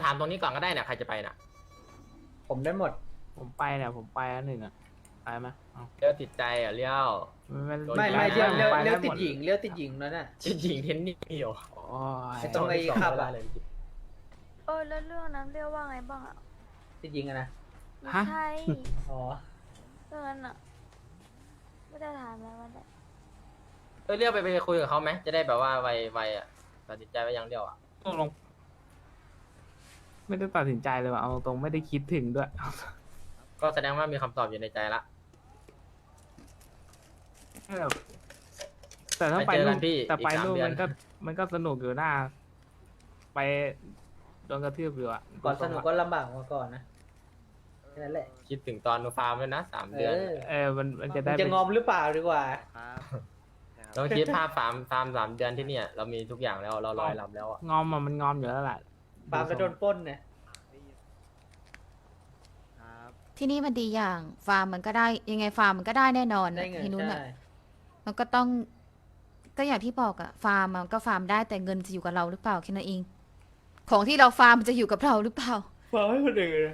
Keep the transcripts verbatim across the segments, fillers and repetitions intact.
ามตรงนี้ก่อนก็ได้เนี่ยใครจะไปน่ะผมได้หมดผมไปเนี่ยผมไปอันหนึ่งอ่ะไปไหมเลี้ยวติดใจอ่ะเลี้ยวไม่ไม่เลี้ยวเลี้ยวเลี้ยวติดหญิงเลี้ยวติดหญิงนั่นน่ะจริงๆเทนนี่เหรอโอ้ยไอ้ตรงไอ้ขับอะเออแล้วเรื่องนั้นเรียกว่าไงบ้างอ่ะติดหญิงอะนะไม่ใช่อ๋อเรื่องนั้นอ่ะไม่ได้ถามแล้วว่าได้เออเลี้ยวไปไปคุยกับเขาไหมจะได้แบบว่าไวไวอ่ะตัดสินใจไว้ยังเลี้ยวอ่ะตกลงไม่ได้ตัดสินใจเลยว่ะเอาตรงๆไม่ได้คิดถึงด้วยก็แสดงว่ามีคำตอบอยู่ในใจละแต่ถ้าไปไปเจอกันู่นนพี่แต่ไปอีกสามนู่นเดือนมันก็มันก็สนุกอยู่หน้า ไปโดนกระทืบอยู่อ่ะก่อนสนุกก็ลำบากมาก่อนนะแค่นั้นแหละคิดถึงตอนนูฟาร์มด้วยนะสามเอเดือนอเออมันมันจะมึได้งจะเป็นงอมหรือเปล่าดีกว่าเราคิดภาพฟาร์มฟาร์มสามเดือนที่เนี่ยเรามีทุกอย่างแล้วเราลอยลำแล้วอ่ะงอมอ่ะมันงอมอยู่แล้วแหละปาล์มจะโดนปล้นเนี่ยที่นี่มันดีอย่างฟาร์มมันก็ได้ยังไงฟาร์มมันก็ได้แน่นอนได้เงินที่นู้นใช่อ่ะมันก็ต้องก็อย่างที่บอกอะฟาร์มมันก็ฟาร์มได้แต่เงินจะอยู่กับเราหรือเปล่าแค่นั้นเอง ของที่เราฟาร์มมันจะอยู่กับเราหรือเปล่าฟาร์มให้คนอื่น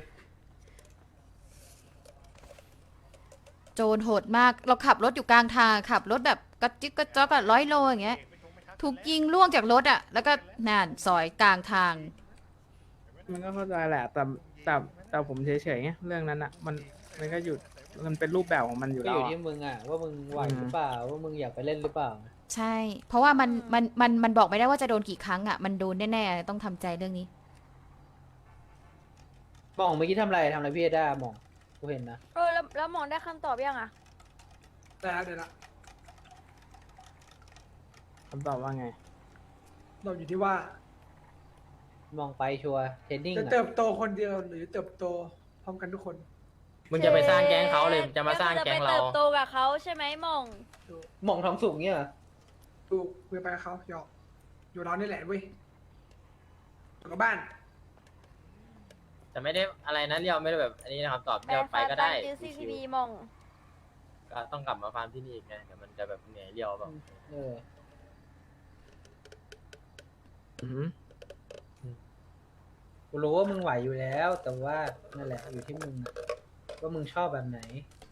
โจรโหดมากเราขับรถอยู่กลางทางขับรถแบบกระจิกกระจอกอะร้อยโลอย่างเงี้ยถูกยิงล่วงจากรถอะแล้วก็น่านซอยกลางทางมันก็เข้าใจแหละ แต่แต่แต่ผมเฉยๆไงเรื่องนั้นอ่ะ มันมันก็หยุดมันเป็นรูปแบบของมันอยู่ก็แล้อวยู่อะที่มึงอ่ะว่ามึงไหวหรือเปล่าว่ามึงอยากไปเล่นหรือเปล่าใช่ เพราะว่ามันมันมันมันบอกไม่ได้ว่าจะโดนกี่ครั้งอะมันโดนแน่ๆต้องทำใจเรื่องนี้หมองเมื่อกี้ทำอะไรทำอะไรพี่เอด้าหมองกูเห็นนะเออแล้วแล้วหมองได้คำตอบยังอ่ะได้แล้วเดี๋ยวละคำตอบว่าไงเราอยู่ที่ว่ามองไปชัวร์เทรนนิ่งจะอ่ะเติบโตคนเดียวหรือเติบโตพร้อมกันทุกคนมึงจะไปสร้างแก๊งเขาเลยจะมาสร้างแก๊งจะไปเราเติบโตกับเขาใช่ไหมหมองหมองทองสูงเนี่ยเหรอดูคุยไปกับเขาหยอกอยู่เรานี่แหละเว้ยอยู่กับบ้านแต่ไม่ได้อะไรนะเลี้ยวไม่ได้แบบอันนี้นะคำตอบเลี้ยวไปก็ได้ซื้อซีทีบีหมองก็ต้องกลับมาฟาร์มที่นี่อีกไงเดี๋ยวมันจะแบบเหนื่อยเลี้ยวแบบเอออือกูรู้ว่ามึงไหวอยู่แล้ว แต่ว่านั่นแหละอยู่ที่มึงอะว่ามึงชอบแบบไหน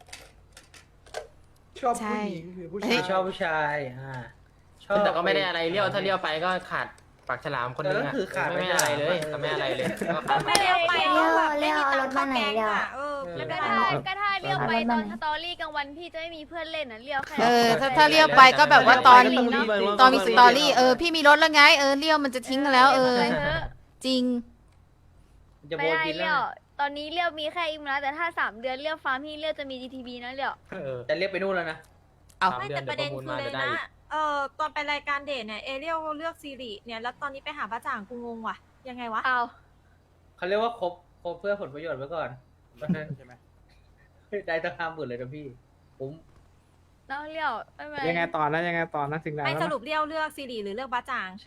ชอบใช่ผู้หญิงหรือผู้เฮ้ชาย ยชอบผู้ชายอ่าชอบแต่ก็ไม่ได้อะไรเลี้ยวถ้าเลี้ยวไปก็ขาดปากฉลามคนนึงเออก็คือขาดไม่อะไรเลยก็ไม่อะไรเลยก็ขาดไม่เลี้ยวไปเลี้ยวเลี้ยวเอารถมาไหนเลี้ยวเออก็ถ้าก็ถ้าเลี้ยวไปตอนสตอรี่กลางวันพี่จะไม่มีเพื่อนเล่นนะเลี้ยวแค่เออถ้าถ้าเลี้ยวไปก็แบบว่าตอนเลี้ยวไปก็ต้องรีบตอนมีสตอรี่เออพี่มีรถแล้วไงเออเลี้ยวมันจะทิ้งกันแล้ว เออไปเถอะจริงจะไม่โบนได้กินแล้เลี้ยววตอนนี้เลี้ยวมีแค่อิมแล้วแต่ถ้าสามเดือนเลี้ยวฟาร์มพี่เลี้ยวจะมี จี ที บี นะเลี้ยวเออจะเรียกไปนู่นแล้วนะเอาสามไม่เดือแต่นปเดี๋ยวประมูลมาระเด็นคือเลจะยได้นะอีกเอ่อตอนไปรายการเดทเนี่ยเอเรียลเลือกซีรีเนี่ยแล้วตอนนี้ไปหาพระจ่างกูงงว่ะ ยังไงวะเอาเขาเรียกว่าครบครบเพื่อผลประโยชน์ไว้ก่อนใช่ไหมได้ตั้งห้าหมื่นเลยนะพี่ผมน้องเลี้ยวไม่เป็นไรยังไงตอนนะยังไงตอนนะถึงไหนไม่แล้วสนะรุปเรียวเลือกซีรีหรือเลือกพระจ่างใช่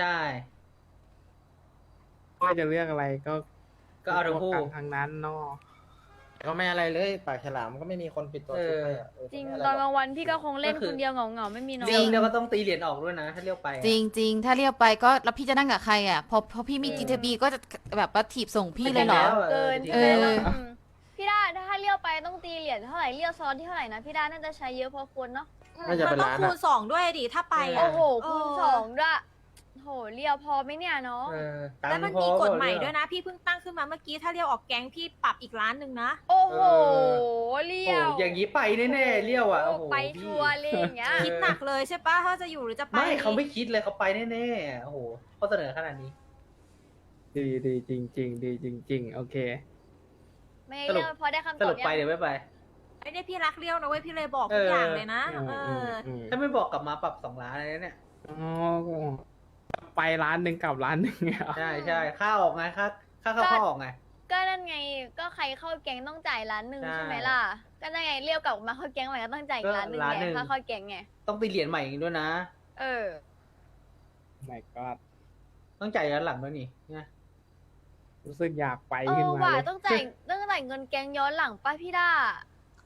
ว่าจะเลือกอะไรก็ก็เอาทั้งคู่กันทางนั้นเนาะก็ไม่อะไรเลยปากฉลามก็ไม่มีคนปิดตัวเออซุปให้อะเออจริงไม่ะไตอนกลางวันพี่ก็คงเล่นก็คือคนเดียวเหงาๆไม่มีน้องเรียกเรียกก็ต้องตีเหรียญออกด้วยนะถ้าเรียกไปอะจริงจริงถ้าเลี้ยวไปก็แล้วพี่จะนั่งกับใครอ่ะพอพอพี่มีเออจีทีบีก็จะแบบว่าถีบส่งพี่เลยเหรอแล้วะเกินจริงเอแล้วออะมพี่ด้าถ้าเลี้ยวไปต้องตีเหรียญเท่าไหร่เลี้ยวซ้อนที่เท่าไหร่นะพี่ด้าน่าจะใช้เยอะพอควรเนาะน่าจะมัเป็นต้องร้านคูอะณสองด้วยดิถ้าไปโอ้อ่ะโหคูณเสองด้วยโหเลี้ยวพอไหมเนี่ยน้องเออตังแล้วค์มันพอมีกฎเปล่าใหม่เรีด้วยนะ พี่เพิ่งตั้งขึ้นมาเมื่อกี้ถ้าเรียวออกแก๊งพี่ปรับอีกล้านหนึ่งนะโอ้โหโอ้เลี้โหยวอย่างนี้ไปแน่ๆเรียวอ่ะโอ้โหไปพี่ชัวร์เลยอย่างเงี้ยคิดหนักเลยใช่ปะถ้าจะอยู่หรือจะไปไม่เขาไม่คิดเลยเขาไปแน่ๆโอ้โหเขาเสนอขนาดนี้ดีดีจริงจริงๆดีจริง ๆ โอเคไม่สรุปเลี้ยวพอได้คำสตอรุบปยัไปงเดี๋ยวไม่ไปไอ้เนี่ยพี่รักเรียวนะเว้ยพี่เลยบอกทุกอย่างเลยนะอืมเออืมออืมถ้าไม่บอกกลับมาปรับสองล้านอะไรเนี่ยอ๋อไปร้านหนึ่งกลับร้านหนึ่งเนี่ยเหรอใช่ใช่ค่าออกไงค่าค่าเข้าเข้าออกไงก็นั่นไงก็ใครเข้าแก๊งต้องจ่ายล้านหนึ่งใช่ใช่ไหมล่ะก็นั่นไงเลี้ยวกลับมาเข้าแก๊งใหม่ก็ต้องจ่ายอีกล้านหนึ่งก็ล้านไงหนึ่งค่าเข้าแก๊งไงต้องตีเหรียญใหม่อีกด้วยนะเออไม่ก็ต้องจ่ายย้อนหลังด้วยนี่นะรู้สึกอยากไปเอขึ้นอมาว่ะเลยต้องจ่ายต้องจ่ายเงินแก๊งย้อนหลังป้าพี่ด้า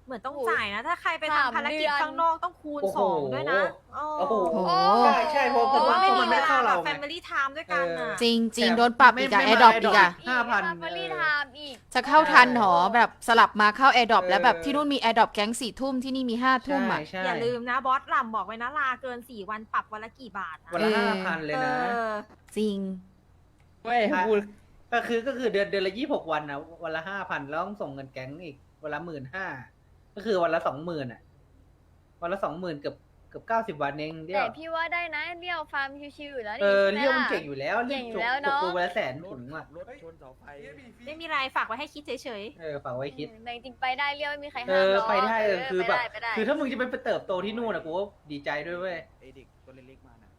เหมือนต้องโอ้โหจ่ายนะ ถ้าใครไปสามทำภารกิจเดือนข้างนอกต้องคูณโอ้โหสองด้วยนะอ๋อโอ้โหโอ้โหใช่ใช่เพราะเพราะว่าไม่มัมีนเวไม่ลาเข้าแบเราบไงแฟมิลี่ไทม์ด้วยกันน่ะจริงจริงแต่โดนปรับอีกอะไม่แอไม่ร์ดรอปมาอีกอะห้าพันฟารีไทม์อีกจะเข้าทันหรอแบบสลับมาเข้าแอร์ดรอปเออแล้วแบบที่นู่นมีแอร์ดรอปแก๊งสี่ทุ่มที่นี่มีห้าทุ่มใช่อะใช่อย่าลืมนะบอสหล่ำบอกไว้นะลาเกินสี่วันปรับวันละกี่บาทนะวันละเออห้าพันเลยนะเออจริงเว้ยพูดก็คือก็คือเดือนเดือนละยี่สิบหกวันนะวันละห้าพันแล้วต้องส่งเงินแก๊งอีกวันละหมื่นห้าก็คือวันละสองหมื่นอ่ะ วันละสองหมื่นเกือบเกือบเก้าสิบวันเองเดียแต่วพี่ว่าได้นะเลี้ยวฟาร์มชิวๆอยู่แล้วเอนี่อใช่ไหมเลี้ยวมันล่ะเก่งอยู่แล้วเก่งอยู่จบแล้วเนอะจบตัววันละแสนถุงอ่ะรถชนเสาไฟๆไม่มีไรฝากไว้ให้คิดเฉยเออฝากไว้คิดแต่จริงๆไปได้เลี้ยวไม่มีใครเอห้ามอหรอกไปได้เออคือแบบไปได้คือถ้ามึงจะไปเติบโตที่นู่นอ่ะกูก็ดีใจด้วยเว้ยไอเด็กตัวเล็กๆมานะ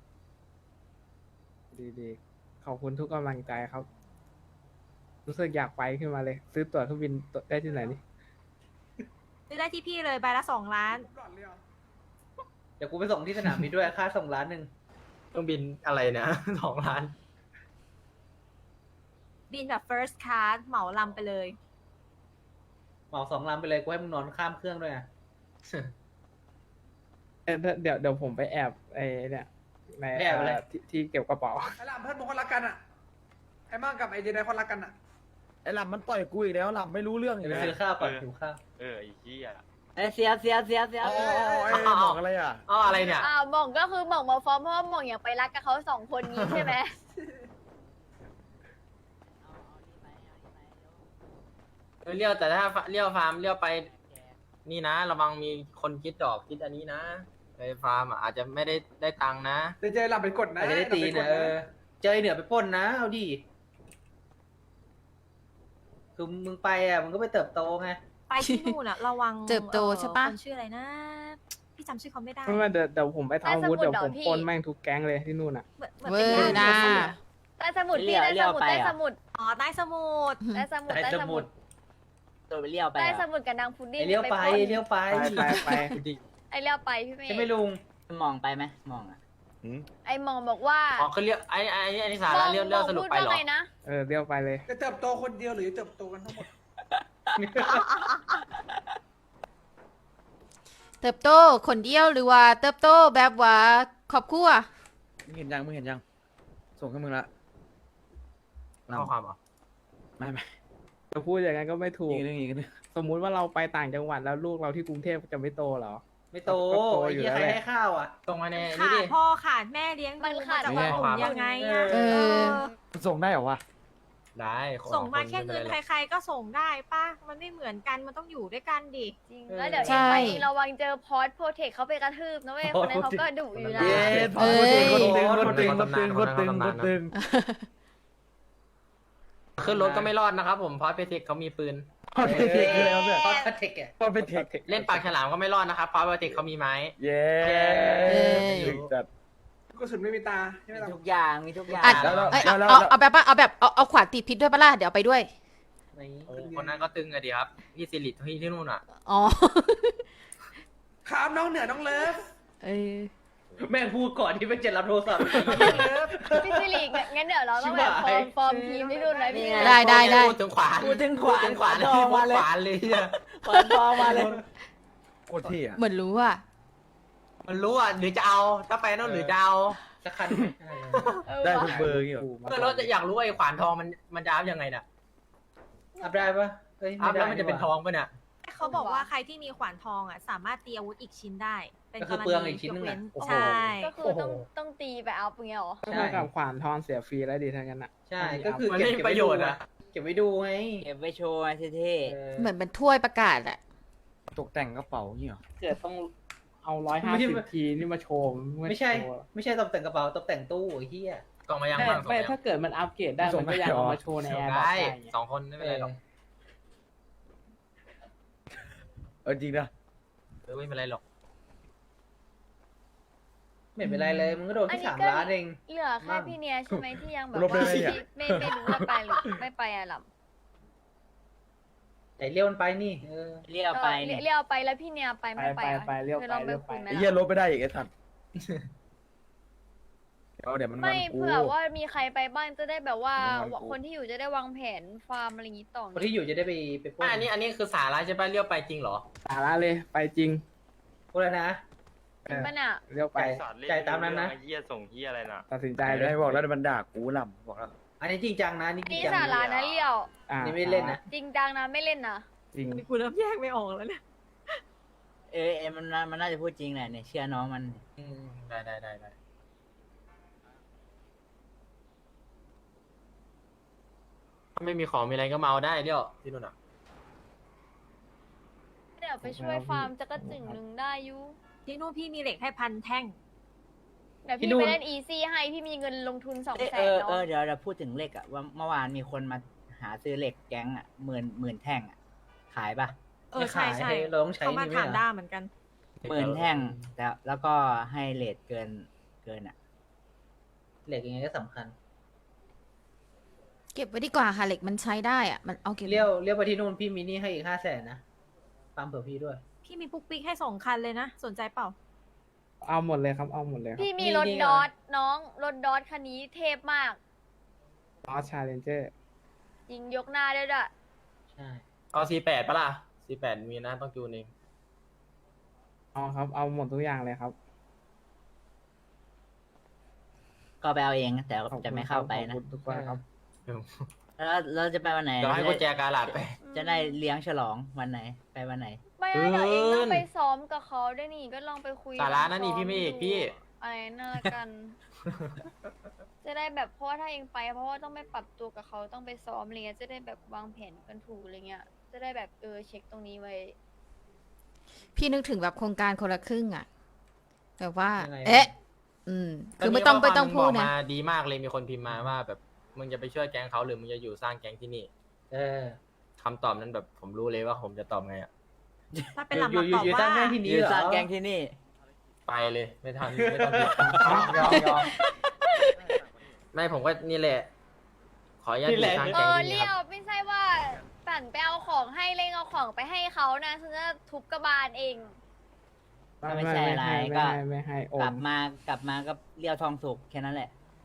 ดีๆขอบคุณทุกกำลังใจครับ รู้สึกอยากไปขึ้นมาเลย ซื้อตั๋วเครื่องบินได้ที่ไหนนี่ๆซื้อได้ที่พี่เลยใบละสองล้านหลอดเลยเหรอเดี๋ยวกูไปส่งที่สนามบินด้วยค่าส่งล้านหนึ่งเครื่องบินอะไรเนี่ย สองล้านบินแบบ first class เหมาลำไปเลยเหมาสองลำไปเลยกูให้มึงนอนข้ามเครื่องด้วยอ่ะเอ้ยเดี๋ยวเดี๋ยวผมไปแอบไอ้เนี่ยในไปแอบอะไรเอ่อที่ที่เก็บกระเป๋าไอ้ลำเพื่อนบางคนรักกันอ่ะ ไอ้มั่งกับไอ้เจไดคนรักกันอ่ะไอ้ลำมันต่อยกูอีกแล้วลำไม่รู้เรื่องเดี๋อียวกไปแล้วซื้อข้าวก่อนหิวข้าวเออไอ้เหี้ยเอ้ยเสียเสียเสียเสียอ๋อไอ้บอกอะไรอ่ะอ๋ออะไรเนี่ยอ้าวหม่องก็คือหม่องมาฟ้องเพราะว่าหม่องอยากไปรักกับเขาสองคนนี้ใช่ไหมเลี้ยวแต่ถ้าเลี้ยวฟาร์มเลี้ยวไป นี่นะระวังมีคนคิดดอกคิดอันนี้นะไปฟาร์มอ่ะอาจจะไม่ได้ได้ตังค์นะเดี๋ยวเจหลับไปกดนะอาจจะได้ตีหลับปกนะเออเจอไอ้เหนือไปปล้นนะ เอาดิ คือมึงไปอ่ะมึงก็ไปเติบโตไงไปที่นู่นอะระวังเติบโตใช่ปะคนชื่ออะไรนะ พี่จำชื่อเขาไม่ได้ไม่ว่าเดี๋ยวเดี๋ยวผมไปทำอาวุธได้สมุดเดี๋ยวผมเหรอพี่ปล้นแม่งทุกแก๊งเลยที่นู่นอ่ะเหมือนเหมือนเวเป็อน ร์ย่านนะเสือใต้สมุดพี่ใต้สมุดใต้สมุดอ๋อใต้สมุทรใต้สมุดใต้ใต้สสมุมุดดตัวไปเลี้ยวไปใต้อ่ะสมุดกับนางพุดดิ้งไอเลี้ยวไปปล้นเลี้ยวไปไปไปไปไอเลี้ยวไปพี่เมย์ใช่ไหมลุงมองไปไหมมองอ่ะไอหมองบอกว่าอ๋อคือเลี้ยวไอ้ไอ้ไอ้นี่สาระเลี้ยวเลี้ยวสรุปไปเหรอพูดว่าไงนะเออเรียวไปเลยจะเติบโตคนเดียวหรือจะเติบโตกันทั้งหมดเติบโตคนเดียวหรือว่าเติบโตแบบว่าครอบครัวมึงเห็นยังมึงเห็นยัง ส่งให้มึงละลข้อความเหรอำไม่ไม่จะพูดอย่างนั้นก็ไม่ถูกอีกนึงอีกนึงสมมุติว่าเราไปต่างจังหวัดแล้วลูกเราที่กรุงเทพจะไม่โตเหรอไม่โตก็โตไอ้อยู่เหี้ยแล้วใครแหละให้ข้าวอ่ะตรงมาในขานี่ดดิพ่อขาดแม่เลี้ยงมันดูขาดจะไม่ว่าได้ผมยังไงอะเออมันส่งได้เหรอวะได้ขอส่งมาคนแค่เงินไม่ป็ไรหรอกใครๆก็ส่งได้ป่ะ มันไม่เหมือนกันมันต้องอยู่ด้วยกันดิจริงแล้วเดี๋ยวใช่เองไประวังเจอพอสโปรเทคเขาไปกระทืบนะเว้ยคนนั้นเขาก็ดุอยู่นะเย้เอ้ยคนตึงคนตึงคนตึงคนตึงคนตึงขึ้นรถก็ไม่รอดนะครับผมเพราะเพเทคเขามีปืนพอเป็นเทคเลยครับเนี่ยพอดเทคอ่ะพอเป็นเทคเล่นปากฉลามก็ไม่รอดนะครับเพราะเพเทคเขามีไม้เย้เอ้ยถึงจัดกระสุนไม่มีตาใช่ไหมมีล่ะทุกอย่างมีทุกอย่างอ่ะแล้วเราเอ้ยแล้วเอาแล้วเอาเอาแบบว่าเอาแบบเอาเอาขวานตีพิษด้วยปะล่ะเดี๋ยวเอาไปด้วยนี่โอ้คนนั้นก็ตึงอะดีครับพี่สิริที่ที่นู่นอ่ะอ๋อขามน้องเหนือน้องเลิฟเออแม่งพูดก่อนที่ไปเจ็ดรับโทรศัพท์พี่สิริงั้นเดี๋ยวเราต้องแบบฟอร์มฟอร์มทีมที่นู่นไหมพี่ได้ได้ได้พูดถึงขวานพูดถึงขวานพูดถึงขวานขวานทองมาเลยขวานเลยเนี่ยขวานทองมาเลยโคตรเท่อะเหมือนรู้อ่ะมันรู้อ่ะหรือจะเอาถ้าไปนู่นหรือจะเอาสักคันเออได้ว่ะทุกเบอร์งี้เหรอเพื่อนเราจะอยากรู้ว่าไอ้ขวานทองมันมันจะอัพยังไงน่ะอัพได้ปะเฮ้ยอัพไได้แล้วมันจะเป็นทองปะเนี่ยเขาบอกว่าใครที่มีขวานทองอ่ะสามารถตีอาวุธอีกชิ้นได้ เป็นก็กคือรเปลืองณีอีกชิ้นนึงยกเว้อ่ะนโอ้โหใช่ก็คือต้องต้องตีไปเอาอย่างเงี้ยเหรอก็เท่ากับขวานทองเสียฟรีแล้วดีทั้งนั้นอ่ะใช่ ก็คือมันเก็บไม่มีประโยชน์อะเก็บไว้ดูไงเก็บไว้โชว์ไว้เท่เออเหมือนเป็นถ้วยประกาศอะตกแต่งกระเป๋างี้เหรอเกิดต้องเอาร้อยห้าสิบทีนี่มาโชว์ไม่ใช่โชว์ไม่ใช่ตกแต่งกระเป๋าตกแต่งตู้ไอ้เหี้ยกล่องมายังไม่บ้างส่งไม่มายังถ้าเกิดมันอัปเกรดได้มันก็อยากเอามาโชว์ในแอร์ได้ได้สองคนไม่เป็นไรหรอกเออจริงนะเออไม่เป็นไรหรอกไม่เป็นไรเลย มึงก็โดนอันที่นี้สามก็ล้านเองเหลือแค่พี่เนียใช่ไหมที่ยังแบบลบได้ว่าไหมเนี่ยไม่ไม่รู้ว่าไปหรือไม่ไปอะหล่ำแต่เลี้ยวมันไปนี่ เออๆเลี้ยวไปเอนี่อเรียกไปแล้วพี่เนียไปไปไม่ไปไปอะไปเรียวเคยไปลองไปเรียวไปคุยไหมไอ้เหี้ยล่ะลบไม่ได้อีกไอ้สัตว์เดี๋ยวเดี๋ยวมันไม่วันกูเผื่อว่ามีใครไปบ้างจะได้แบบว่ามันวันกูคนที่อยู่จะได้วางแผนฟาร์มอะไรอย่างงี้ต่อคนที่อยู่จะได้ไปไปปล้ไม่นอันนี้อันนี้คือสาระใช่ป่ะเลี้ยวไปจริงเหรอสาระเลยไปจริงพูดแล้วนะจริงปะเนี่ยเรียวไปจ่ายตามนั้นนะเฮียส่งเฮียอะไรน่ะตัดสินใจใจเลเลย ยบอกแล้วมันด่ากูลำบอกแล้วอันนี้จริงจังนะอันนี่จริงนี่จังสาระนะเลี้ยวอ่านี่ไม่เล่นนะจริงจังนะไม่เล่นนะจริงกูเริ่มแยกไม่ออกแล้วเนี่ยเออเอมันน่ามันน่าจะพูดจริงแหละเนี่ยเชื่อน้องมันอืมได้ได้ได้ได้ถ้าไม่มีของมีอะไรก็เมาได้เลี้ยวที่นู่นอ่ะเดี๋ยวไปช่วยฟาร์มจักรจึงหนึ่งได้อยูที่นู่นพี่มีเหล็กให้พันแท่งเดี๋ยวที่พี่นู่นไปเล่นอีซี่ให้พี่มีเงินลงทุนสองเอ้ยแสเอน อเนาะเออเดี๋ยวเราพูดถึงเหล็กอะว่าเมื่อวานมีคนมาหาซื้อเหล็กแก๊งอะหมื่นหมื่นแท่งอะขายปะเออใช่ใช่เราต้องใช้เขามานี่ไหมถามเหรอด้าเหมือนกันหมื่นแท่งแต่แล้วก็ให้เลทเกินเกินอะเหล็กยังไงก็สำคัญเก็บไว้ดีกว่าค่ะเหล็กมันใช้ได้อะมันเอาเก็บเลี้ยวเลี้ยวไปที่นู่นพี่มินี่ให้อีกห้าแสนนะฟาร์มเผื่อพี่ด้วยพี่มีปุ๊กปิ๊กให้สองคันเลยนะ สนใจเปล่าเอาหมดเลยครับเอาหมดเลยครับพี่มีนี่รถนี่ดเหรออทน้องรถดอทคันนี้เทพมากออสชาเลนเจอร์ยิงยกหน้าได้ด้วยใช่เอาสี่แปดปะล่ะสี่แปดมีนะต้องจูนเองเอาครับเอาหมดทุกอย่างเลยครับก็ไปเอาเองแต่ขอบคุณจะไม่เข้าไปขนะอบคุณทุกคนครับแล้วเราจะไปวันไหนเดี๋ยวให้กุญแจกาลาดไปจะได้เลี้ยงฉลองวันไหน ไปวันไหนไม่เกิไม่นเดี๋ยวเองต้องไปซ้อมกับเขาด้วยนี่ก็ลองไปคุยสาระนะลองนี่ซ้พี่ไม่เอกพี่ดูอะไรน่าละกัน จะได้แบบเพราะว่าถ้าเองไปเพราะว่าต้องไปปรับตัวกับเขาต้องไปซ้อมอะไรเงี้ยจะได้แบบวางแผนกันถูกอะไรเงี้ยจะได้แบบเออเช็คตรงนี้ไว้พี่นึกถึงแบบโครงการคนละครึ่งอะแบบว่ายังไงเอ๊ะ อืม คือไม่ต้องไม่ต้องพูดบกนะมาดีมากเลยมีคนพิมพ์มาว่าแบบมึงจะไปช่วยแก๊งเขาหรือมึงจะอยู่สร้างแก๊งที่นี่เออคำตอบนั้นแบบผมรู้เลยว่าผมจะตอบไงอ่ะถ้าเป็นหลับอยู่มาตอบอยู่ว่าสร้างแม่ที่อนี้ยู่เหรอสร้างแก๊งที่นี่ไปเลยไม่ทันไม่ต้องคิดยอมยอมไม่ผมก็นี่แหละ ขออนุญาตอยู่สร้างเอแก๊งอที่นี่เลี้ยคว รับไม่ใช่ว่าปั่นไปเอาของให้เล่งเอาของไปให้เขานะฉันจะทุบกระบาลเองก็ไม่ใช่อะไรไม่ก็ให้ไม่ให้โอกลันบมากลับมาก็เลี้ยวทองสุกแค่นั้นแหละ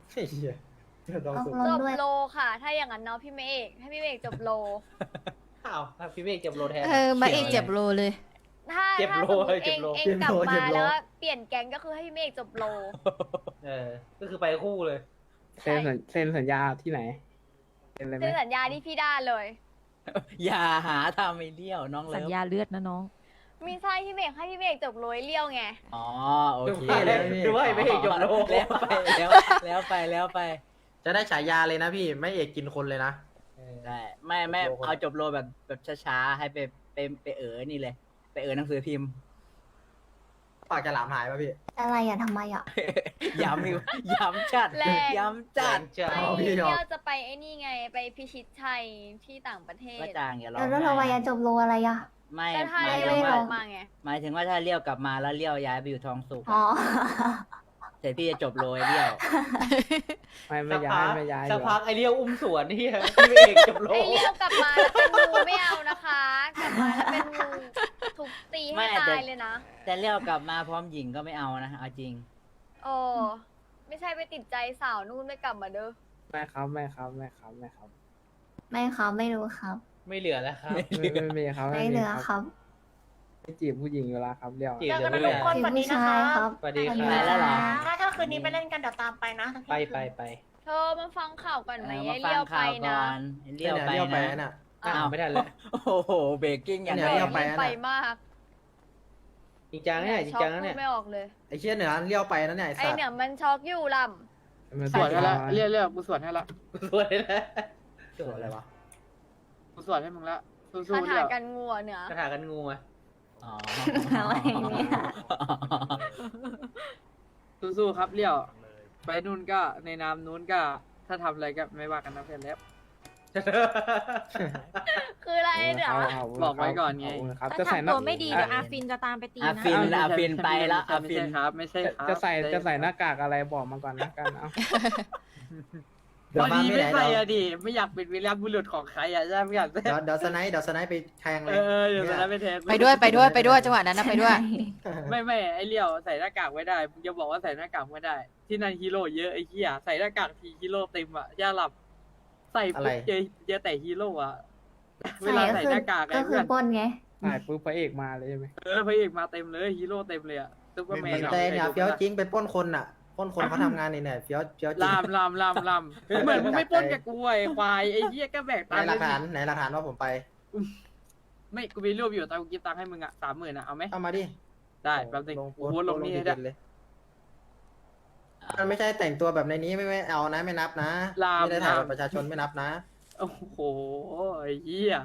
จบโลค่ะ ถ้าอย่างนั้นเนาะพี่เมฆให้พี่เมฆจบโลอ้าวถ้าพี่เมฆเก็บโลแทนเออ มาเอกเจ็บโลเลยถ้าเจ็บถ้าโลสมมติเจ็เอบ งโลเองกลับมาแล้วเปลี่ยนแก๊งก็คือให้พี่เมฆจบโลเออ ก็คือไปคู่เลยเซ็นสัญเซ็นสัญญาที่ไหนเซ็นเลยไหมเซ็นสัญญาที่พี่ด้าเลยอย่าหาทำไอ้เลี้ยวน้องสัเลิญฟญาเลือดนะน้องมีใช่พี่เมฆให้พี่เมฆจบโลยเลี้ยวไงอ๋อโอเคดูว่าดูว่าไอ้ไม่เอกจบโลแล้วไปแล้วแล้วไปแล้วไปจะได้ฉายาเลยนะพี่ไม่เอกกินคนเลยนะได้ไม่ไม่เอาจบโลแบบแบบช้าๆให้ไปไปไปเออนี่เลย ไปเออหนังสือพิมพ์ปากจะหลามหายป่ะพี่อะไรอ่ะทำไมอ่ะย้ำอยู่ย้ำจัดแรงย้ำจัดจะไม่เอาพี่เลี้ยอมยวจะไปไอ้นี่ไงไปพิชิตชัยที่ต่างประเทศว่าจางอย่าร้องแล้วทำไมไห้อ่ะจบโลอะไรอ่ะไม่ก็ถ้าหมายเลี้ถึยวงกว่าลับมาไงหมายถึงว่าถ้าเลี้ยวกลับมาแล้วเลี้ยวย้ายไปอยู่ทองสุกอ๋อเสร็จพี่จะจบโรยเลี้ยวไม่ไม่สักย้าพัยกไม่ย้ายสักอยู่พักไอเลี้ยวอุ้มสวนนี่ พี่เมฆจบโลไอ้เลี้ยวกลับมาแล้วเป็นงูไม่เอานะคะ กลับมาแล้วเป็นงูทุบตีให้ตายเลยนะแต่เลี้ยวกลับมาพร้อมหญิงก็ไม่เอานะเอาจริงโอ้ไม่ใช่ไปติดใจสาวนู่นไม่กลับมาเด้อไม่ครับไม่ครับไม่ครับไม่ครับไม่ครับไม่รู้ครับไม่เหลือแล้วครับไม่ไม่ไม่ครับไม่มีเหลือครับไม่จีบผู้หญิงอยู่แล้วครับเรียวจีบเจอกันทุกคนเดี๋ยวผู้ชายครับสวัสดีคไปรับแล้วเหรอถ้าถ้าคืนนี้ไปเล่นกันเดี๋ยวตามไปนะไปไปไปเธอมาฟังข่าวก่อนไหมเออไอ้มาฟัเลี้ยวงไปข่าวนะก่อนเลี้ยวไปเลี้ยวไปนะน่ะอ้าวไม่ทันแล้วโอ้โหเบรกกิ้งอย่างเนี่ไรยเลี้ยวไปรีบไปมากจริงจังเนี่ยจริงจังช็อกเนี่ยพูดไม่ออกเลยไอ้เชี่ยเหนือเลี้ยวไปนั่นเนี่ยไอ้ไอสัตว์เนี่ยมันช็อกอยู่ลมันสวดให้ละเรียกเรียกกูสวดให้ละสวยแล้วสวยอะไรวะกูสวดให้มึงละำสู้คาๆถาเรียวกันงัวเหนือกระถากันงูอ่ะอ๋ออะไรเนี่ยสู้ๆครับเรียว ไปนู่นก็ในนามนู้นก็ถ้าทำอะไรก็ไม่ว่ากันนะเพื่อนแล้วคืออะไรเหนือเอาเอาบอกไว้ก่อนไงครับถ้าจะใส่หทำน้าตัวไม่ดีเดี๋ยวอาฟินจะตามไปตีอานะฟินไม่ใช่อาฟินไปละอาไม่ฟินใช่ครับ ไม่ใช่ครับจะใส่จะใส่หน้ากากอะไรบอกมาก่อนนะกันเอาเดี๋ยวพอฟาร์มดีไม่ไม่ไหนใส่เดี๋ยวอะดิไม่อยากเป็นวีรบุรุษของใครอะใช่ไหมอยากเดี๋ยวเดี๋ยวสไนด์เดี๋ยวสไนด์ไปแทงเลเอย อเดี๋ยวเนี่จะได้ไม่แทนไปด้วยไปด้วยไปด้วยจังหวะนั้นนะไปด้วยไม่ไม่ไอเลี้ยวใส่หน้ากากไม่ได้มึงจะบอกว่าใส่หน้ากากไม่ได้ ที่นั่นฮีโร่เยอะไอ้เหี้ยใส่หน้ากากทีฮีโร่เต็มอะย่าหลับ ใส่ปุ๊บเจอเจอแต่ฮีโร่อะเวลาใส่หน้ากากไงก็คืเพื่ออนปล้นไงถ่ายปุ๊บพระเอกมาเลยใช่ไหมเออพระเอกมาเต็มเลยฮีโร่เต็มเลยอะซุปเปอร์แมนแต่เนี่ยเฟี้ยวจริงไปปล้นคนอ่ะปล้นคนเขาทำงานนี่เนี่ยเฟี้ยวเฟี้ยวจริงลามลามลามลามเหมือนมึงไม่ปล้นกับกูไอ้ควายไอ้เหี้ยก็แบกไหนตังค์หลักฐานไหนหลักฐานว่าผมไปไม่กูมีรูปอยู่แต่กูกินตังค์ให้มึงอะสามหมื่นอะเอาไหมเอามาดิได้แป๊บนึงกูโพสต์ลงนี่ให้ได้เลยมันไม่ใช่แต่งตัวแบบในนี้ไม่ไม่เอานะไม่นับนะลามไม่ได้ถ่ายลามบัตรประชาชนไม่นับนะโอ้โหไอ้เหี้ย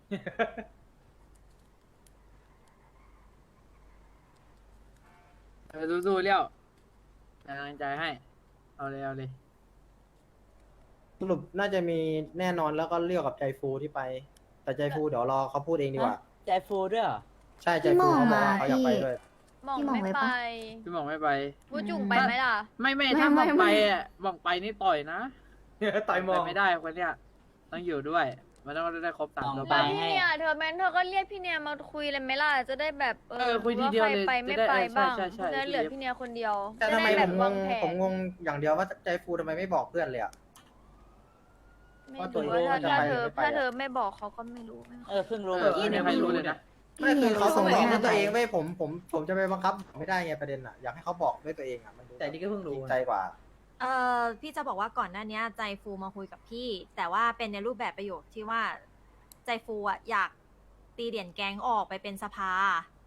เออสู้ๆเลี้ยวเป็นกำลังใจให้ เอาเลยเอาเลยสรุปน่าจะมีแน่นอนแล้วก็เรียกกับใจฟูที่ไป แต่ใจฟูเดี๋ยวรอเขาพูดเองดีกว่าใจฟูด้วยเหรอใช่ใจฟูเขาบอกว่าเขาอยากไปด้วยหมองพี่หม่องไม่ไปไปปะพี่หมองไม่ไปบูจุ่งไปไหมล่ะไม่ไม่ไม่ถ้าหมองไม่ไปไม่อ่ะหมองไปนี่ต่อยนะต่อยมองไปไม่ได้คนเนี้ยต้องอยู่ด้วย มันต้องได้ครบสามตัวแล้วพี่เนี่ยเธอแมนเธอก็เรียกพี่เนี่ยมาคุยเลยไหมล่ะ จะได้แบบเออคุยทีเดียวเลยาใครไปไม่จะได้ไปเออใช่บ้างใช่ใช่จะได้เหลือพี่เนี่ยคนเดียวแต่ทำไมจะด้ผแบบมงวางงแผนผมงงอย่างเดียวว่าใจฟูทำไมไม่บอกเพื่อนเลยอ่ะไม่ว่าตัวรู้เองว่าถ้าจะถ้าไปเธอหรือไม่ไปถ้าอะเธอไม่บอกเขาก็ไม่รู้ไม่เออเพิ่งรู้เออไม่มีใครรู้เลยนะไม่คือเขาส่งพี่บอกเนี่ยด้วยตัวเองไม่ผมผมผมจะไปบังคับไม่ได้ไงประเด็นอ่ะอยากให้เขาบอกด้วยตัวเองอ่ะมันดูแต่นี่ก็เพิ่งจรู้ริงใจกว่าเอ่อพี่จะบอกว่าก่อนหน้านี้ใจฟูมาคุยกับพี่ แต่ว่าเป็นในรูปแบบประโยคที่ว่าใจฟูอ่ะอยากตีเดี่ยนแก๊งออกไปเป็นสภา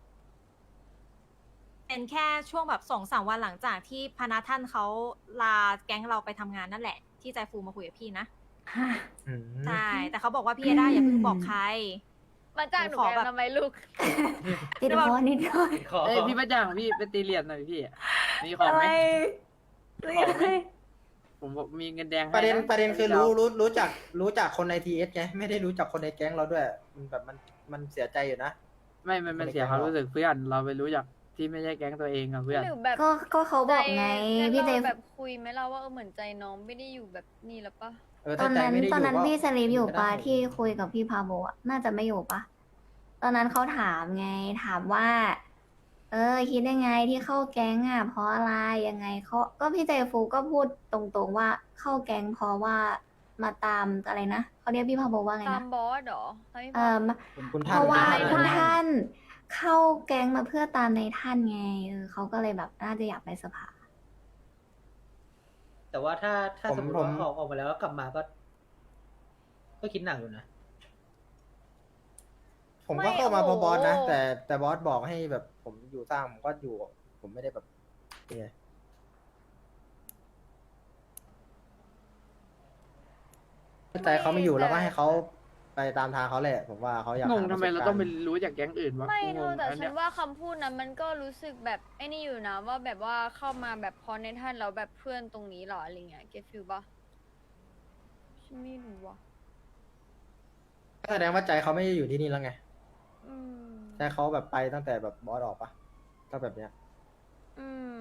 เป็นแค่ช่วงแบบสองสามวันหลังจากที่พนักท่านเขาลาแก๊งเราไปทำงานนั่นแหละ ที่ใจฟูมาคุยกับพี่นะอืมใช่แต่เขาบอกว่าพี่ได้อย่าเพิ่งบอกใครมาจ้างหนูขอแกแบบทำไมลูกติดคอนิดหน่อยเอ้ยพี่ประจังพี่ไปตีเหรียญหน่อยพี่มีของไหมของไหมผมบอกมีเงินแดงให้ประเด็นนะประเด็นคือรู้รู้รู้จักรู้จักคนในทีเอสไงไม่ได้รู้จักคนในแก๊งเราด้วยมันแบบมันมันเสียใจอยู่นะไม่มันมันเสียความรู้สึกเพื่อนเราไปรู้จักที่ไม่ใช่แก๊งตัวเองกับเพื่อนหรือแบบก็ก็เขาบอกไงใจพี่เจเราแบบคุยไหมเราว่าเออเหมือนใจน้องไม่ได้อยู่แบบนี่แล้วปะเออตอถ้าน ใจนั้นไม่ได้อตอนยู่นั้นก็พี่สลีปอยู่ไม่ปะได้ที่คุยกับพี่พาโบอะน่าจะไม่อยู่ปะตอนนั้นเขาถามไงถามว่า เออ คิดยังไงที่เข้าแก๊งอ่ะ เพราะอะไรยังไงเขาก็พี่เจฟูก็พูดตรงๆว่าเข้าแก๊งเพราะว่ามาตามอะไรนะเขาเรียกพี่พาโบว่าไงตามนะบอสเหรอให้พี่เออมาคุณคุณเพท่านราะว่าท่านคุณท่านท่านเข้าแก๊งมาเพื่อตามในท่านไงเออเขาก็เลยแบบน่าจะอยากไปสภาแต่ว่าถ้าถ้าสมมติว่าออกออกมาแล้วแล้วกลับมาก็ ก็คิดหนักอยู่นะ ผมก็เข้ามาเพราะบอสนะแต่แต่บอสบอกให้แบบ ผมอยู่สร้างผมก็อยู่ ผมไม่ได้แบบเนี่ยใจเขาไม่อยู่แล้วก็ให้เขาไปตามทางเขาแหละ ผมว่าเขาอยากงงหาทำไมปะสบเรากต้องไปรู้จากแก๊งอื่นวะไม่กูเธงอง แต่อันฉัเนี้นยว่าคำพูดนั้นมันก็รู้สึกแบบไอ้นี่อยู่นะ ว่าแบบว่าเข้ามาแบบพอในท่านแล้วแบบเพื่อนตรงนี้เหรออะไรเงี้ยเก็ตฟิลปะฉันไม่รู้ว่ะก็แสดงว่าใจเขาไม่ได้อยู่ที่นี่แล้วไงอืมใจเขาแบบไปตั้งแต่แบบบอสออกปะก็แบบเนี้ยอืม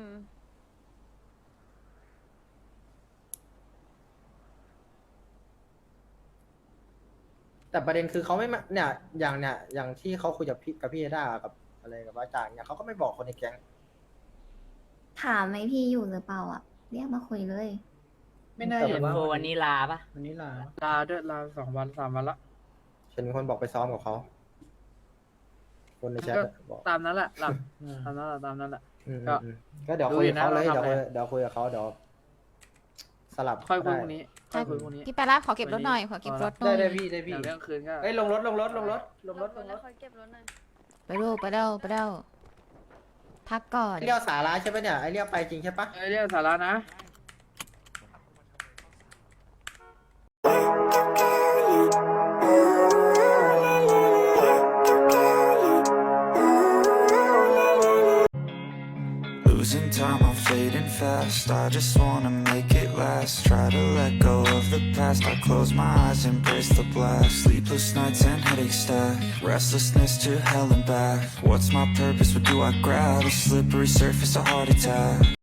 แต่ประเด็นคือเขาไม่มาเนี่ย อย่างเนี่ย อย่างที่เขาคุยกับพี่กับพี่เอด้ากับอะไรกับว่าจางเนี่ยเขาก็ไม่บอกคนในแก๊งถามไหมพี่อยู่หรือเปล่าอ่ะ เรียกมาคุยเลยไม่น่าเห็นแต่ว่าวันนี้ลาปะวันนี้ลาลาด้วยลาสองวันสามวันละฉันมีคนบอกไปซ้อมกับเขา คนในแชทก็บอกตามนั้นแหละหลับตามนั้นแหละตามนั้นแหละอืมก็อืมก็เดี๋ยวคุยกับเขาเลยดูอยู่นะเดี๋ยวคุยเราทำอะไรเดี๋ยวคุยกับเขาเดี๋ยวสลับค่อยคุยได้พรุ่งนี้ค่อยคุยพรุ่งนี้พี่ไปรับขอเก็บรถหน่อยขอเก็บรถหน่อยได้พี่ได้พี่เดี๋ยวเรื่องคืนก็เอ้ยลงรถลงรถลงรถลงรถลงรแล้วถคอยเก็บรถหน่อยไปดูไปเร็วไปเร็วพักก่อนไอเลี้ยวสาระใช่ปะเนี่ยไอเลี้ยวไปจริงใช่ปะเอ้ยเรื่องสาระนะ Losing time, I'm fading fast. I just wanna make it last. Try to let go of the past. I close my eyes, embrace the blast. Sleepless nights and headaches stack. Restlessness to hell and back. What's my purpose? What do I grab? A slippery surface, a heart attack.